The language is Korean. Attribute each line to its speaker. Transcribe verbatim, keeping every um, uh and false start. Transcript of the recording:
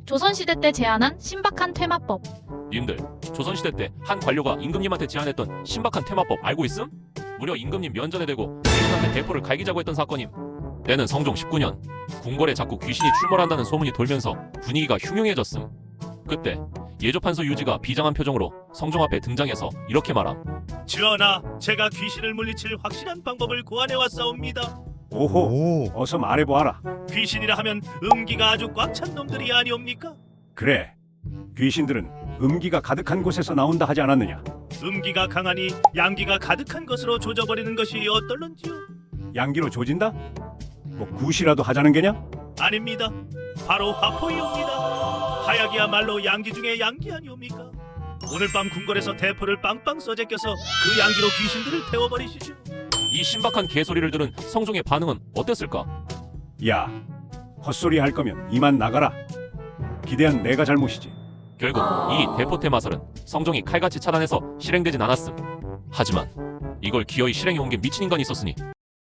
Speaker 1: 조선시대 때 제안한 신박한 퇴마법.
Speaker 2: 님들, 조선시대 때 한 관료가 임금님한테 제안했던 신박한 퇴마법 알고 있음? 무려 임금님 면전에 대고 대신한테 대포를 갈기자고 했던 사건임. 때는 성종 십구 년, 궁궐에 자꾸 귀신이 출몰한다는 소문이 돌면서 분위기가 흉흉해졌음. 그때 예조판서 유지가 비장한 표정으로 성종 앞에 등장해서 이렇게 말함.
Speaker 3: 전하, 제가 귀신을 물리칠 확실한 방법을 고안해 왔사옵니다.
Speaker 4: 오호, 어서 말해보아라.
Speaker 3: 귀신이라 하면 음기가 아주 꽉 찬 놈들이 아니옵니까?
Speaker 4: 그래, 귀신들은 음기가 가득한 곳에서 나온다 하지 않았느냐?
Speaker 3: 음기가 강하니 양기가 가득한 것으로 조져버리는 것이 어떨런지요?
Speaker 4: 양기로 조진다? 뭐 굿이라도 하자는 게냐?
Speaker 3: 아닙니다. 바로 화포이옵니다. 하약이야말로 양기 중에 양기 아니옵니까? 오늘 밤 궁궐에서 대포를 빵빵 써제껴서 그 양기로 귀신들을 태워버리시죠.
Speaker 2: 이 신박한 개소리를 들은 성종의 반응은 어땠을까?
Speaker 4: 야, 헛소리 할 거면 이만 나가라. 기대한 내가 잘못이지.
Speaker 2: 결국 이 대포 퇴마설은 성종이 칼같이 차단해서 실행되진 않았음. 하지만 이걸 기어이 실행해 온 게 미친 인간이 있었으니